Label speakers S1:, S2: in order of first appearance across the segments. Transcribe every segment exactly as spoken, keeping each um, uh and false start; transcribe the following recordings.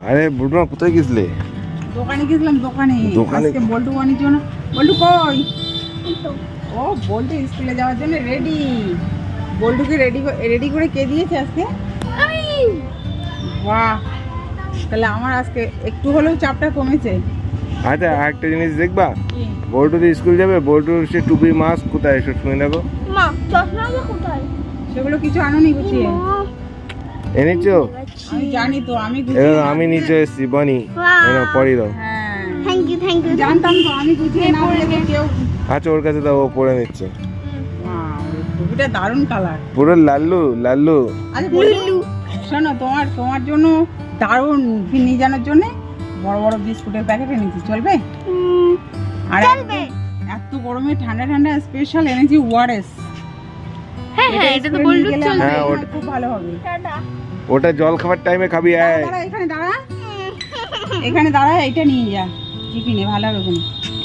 S1: আরে বুড়মা কোথায় গেছিলে?
S2: দোকানে গেছিলাম দোকানে।
S1: দোকানে?
S2: আজকে বল্টু বানির জন্য। বল্টু কই? ও বল্টু স্কুলে যাওয়ার জন্য রেডি। বল্টুকে রেডি রেডি করে কে দিয়েছে আজকে? আমি। বাহ, তাহলে আমার আজকে একটু হলেও চাপটা কমেছে।
S1: আচ্ছা একটা জিনিস দেখবা, বল্টু তো স্কুল যাবে, বল্টুর সে টুপি মাস্ক কোথায় এসব শুনে দেখো।
S3: মা চশমা কোথায়?
S2: সেগুলো কিছু আনোনি গুছিয়ে?
S1: এনেছো?
S2: আমি জানি তো, আমি
S1: এ
S2: গুছিয়ে
S1: আমি নিচে এসেছি বনি, এনো পরি দাও।
S2: হ্যাঁ
S3: থ্যাংক ইউ থ্যাংক ইউ
S2: জানতাম তো, আমি গুছিয়ে না বলে তো কেউ।
S1: আচ্ছা ওর কাছে দাও, ও পরে নিচ্ছে।
S2: ওয়াও, টুপিটা দারুণ কালার।
S1: পুরো লাল্লু লাল্লু।
S2: আচ্ছা বল্টু, শোনো, তোমার তোমার জন্য দারুণ নিয়ে জানার জন্য বড় বড় বিস্কুটের প্যাকেট এনেছি, চলবে? আর
S3: চলবে।
S2: এত গরমে ঠান্ডা ঠান্ডা স্পেশাল এনেছি ওয়ারেস।
S3: হ্যাঁ হ্যাঁ এটা তো বললু চলবে।
S1: হ্যাঁ, ওটা-
S2: খুব ভালো হবে।
S3: টাটা।
S1: ওটা জল খাবার টাইমে খাবি।
S2: দাঁড়া,
S1: আয়
S2: দাঁড়া, এখানে দাঁড়া, এখানে দাঁড়া, এইটা নিয়ে যা টিফিনে, ভালো হবে কোনো।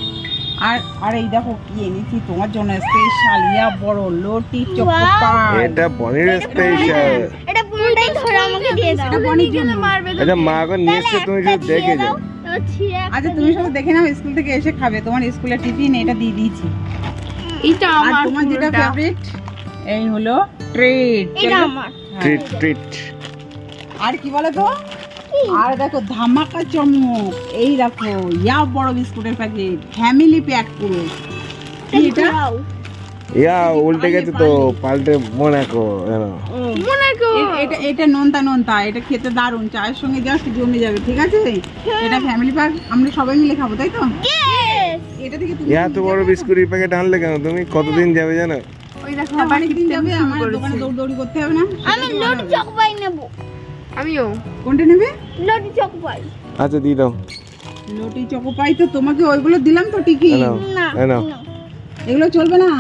S2: আর আর এই দেখো কি এনেছি তোমার জন্য স্পেশাল, ইয়া বড় লোটি চকোপাই।
S1: এটা বনির স্পেশাল।
S3: এটা পুরোটাই ধরে আমাকে দিয়ে দাও।
S2: এটা বনির জন্য।
S1: আচ্ছা মা এখন নিয়ে এসছে, তুমি শুধু দেখে যাও।
S2: আচ্ছা তুমি সব দেখে নাও, স্কুল থেকে এসে খাবে। তোমার স্কুলের টিফিন এটা দিয়ে দিয়েছি।
S3: এটা
S2: আর
S3: আমার
S2: তোমার যেটা ফেভারিট, এই হলো ট্রিট।
S3: এটা আমার।
S1: Treat treat.
S2: আর কি বলো তো, আর দেখো ধামাকা চমক, এই দেখো ইয়া বড় বিস্কুটের প্যাকেট, ফ্যামিলি প্যাক পুরো। কি এটা?
S1: ইয়া উল্টে গেছে তো, পাল্টে মোনাকো।
S3: মোনাকো।
S2: এ- এটা এটা নোনতা নোনতা, এটা খেতে দারুণ, চায়ের সঙ্গে জাস্ট জমে যাবে, ঠিক আছে? এটা ফ্যামিলি প্যাক, আমরা সবাই মিলে খাবো, তাই তো? এটা থেকে তুমি
S1: ইয়া তো বড় বিস্কুটের প্যাকেট আনলে কেন তুমি? কতদিন যাবে জানো?
S3: ওই দেখো
S2: অনেকদিন যাবে, আমার দোকানে দৌড়দৌড়ি করতে হবে না।
S3: আমি লটি চকপাই নেব। আমিও
S2: কোনটা নেবে?
S3: লটি চকপাই।
S1: আচ্ছা দিয়ে দাও।
S2: লোটি চকোপাই তো তোমাকে ওইগুলো দিলাম তো টিকি।
S1: এ নাও,
S3: না
S1: এ নাও।
S2: এগুলো চলবে না।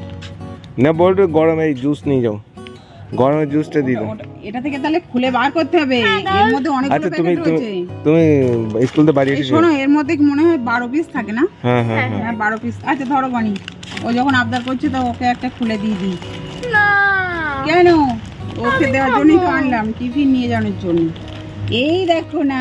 S1: না বলতো গরম এই জুস নিয়ে যাও, গরমের জুসটা দিয়ে দাও।
S2: ওটা- এটা থেকে তাহলে খুলে বার করতে হবে, এর মধ্যে অনেকগুলো
S1: আচ্ছা তুমি
S2: প্যাকেট
S1: তুমি
S2: রয়েছে।
S1: তুমি স্কুল তো বাড়ি
S2: এই
S1: এসেছো?
S2: শোনো, এর মধ্যে মনে হয় বারো পিস থাকে না?
S1: হ্যাঁ হ্যাঁ হ্যাঁ।
S2: হ্যাঁ বারো পিস। আচ্ছা ধরো বানি, ও যখন আবদার করছে তো ওকে একটা খুলে দিয়ে দিই।
S3: না
S2: কেন? ওকে দেওয়ার জন্যই তো আনলাম, টিফিন নিয়ে যাওয়ার জন্য। এই দেখো না,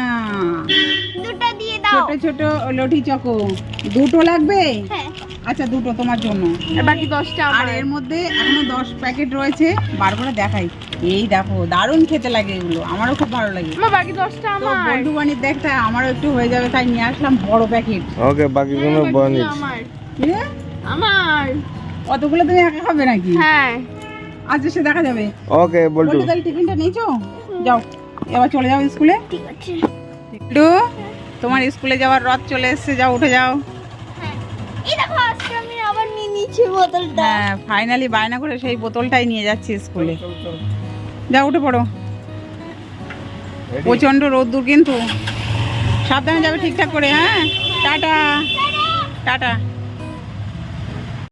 S3: দুটো দিয়ে দাও।
S2: ছোট ছোট লটি চকো। দুটো লাগবে?
S3: হ্যাঁ
S2: আচ্ছা দুটো তোমার জন্য।
S3: আর বাকি দশটা
S2: আর
S3: আমার।
S2: এর মধ্যে এখনো দশ প্যাকেট রয়েছে, বার করে দেখাই। এই দেখো দারুণ খেতে লাগে এগুলো, আমারও খুব ভালো লাগে।
S3: মা বাকি দশটা
S2: তো
S3: আমার।
S2: বন্ধু বানিয়ে দেখতে আমারও একটু হয়ে যাবে, তাই নিয়ে আসলাম বড় প্যাকেট।
S1: ওকে বাকিগুলো
S3: হ্যাঁ,
S1: বনিস।
S3: বাকিগুলো আমার।
S2: কি?
S3: আমার।
S2: অতগুলো তুমি একা খাবে নাকি?
S3: হ্যাঁ
S2: আচ্ছা সে দেখা যাবে।
S1: ওকে বলটু।
S2: বলটু তাহলে টিফিনটা নিয়েছো? যাও এবার চলে যাও স্কুলে।
S3: ঠিক আছে।
S2: বলটু, তোমার স্কুলে যাওয়ার রথ চলে এসেছে, যাও উঠে যাও।
S3: হ্যাঁ এই দেখো আজকে আমি আবার নিয়ে নিচ্ছি বোতলটা।
S2: হ্যাঁ ফাইনালি বায়না করে সেই বোতলটাই নিয়ে যাচ্ছি স্কুলে। যাও উঠে পড়ো, প্রচন্ড রোদ্দুর কিন্তু, সাবধানে যাবে ঠিকঠাক করে। হ্যাঁ টাটা টাটা।